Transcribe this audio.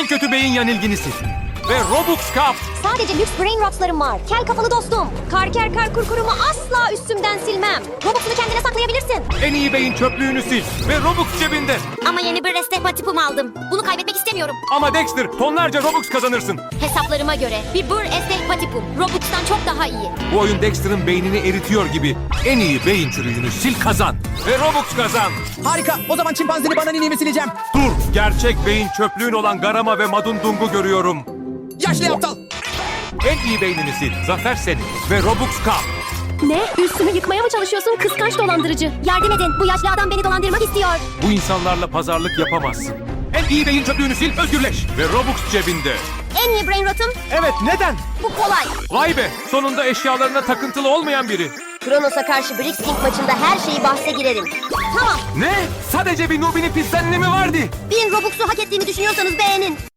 kötü beyin yanılgınisi. Ve Robux Cup. Sadece lüks brain rotslarım var. Kel kafalı dostum. Karker kar kurkurumu asla üstümden silmem. Robux'unu kendine saklayabilirsin. En iyi beyin çöplüğünü sil. Ve Robux cebinde. Ama yeni bir restepatipum aldım. Bunu kaybetmek istemiyorum. Ama Dexter, tonlarca Robux kazanırsın. Hesaplarıma göre bir bur estepatipum Robux'tan çok daha iyi. Bu oyun Dexter'ın beynini eritiyor gibi. En iyi beyin çürüğünü sil kazan. Ve Robux kazan. Harika. O zaman çimpanzeli bananini mi sileceğim? Dur, gerçek beyin çöplüğün olan Garama ve Madundung'u görüyorum. Yaşlı aptal. En iyi beynini sil. Zafer senin. Ve Robux Cup. Ne? Üstümü yıkmaya mı çalışıyorsun kıskanç dolandırıcı? Yardım edin. Bu yaşlı adam beni dolandırmak istiyor. Bu insanlarla pazarlık yapamazsın. En iyi beyin çöplüğünü sil, özgürleş. Ve Robux cebinde. En iyi brain rotum Evet, neden? bu kolay. Vay be, sonunda eşyalarına takıntılı olmayan biri. Kronos'a karşı Brix King maçında her şeyi bahse girerim. Tamam. Ne? Sadece bir Nubini Pizzanini mi vardı? 1000 Robux'u hak ettiğimi düşünüyorsanız beğenin.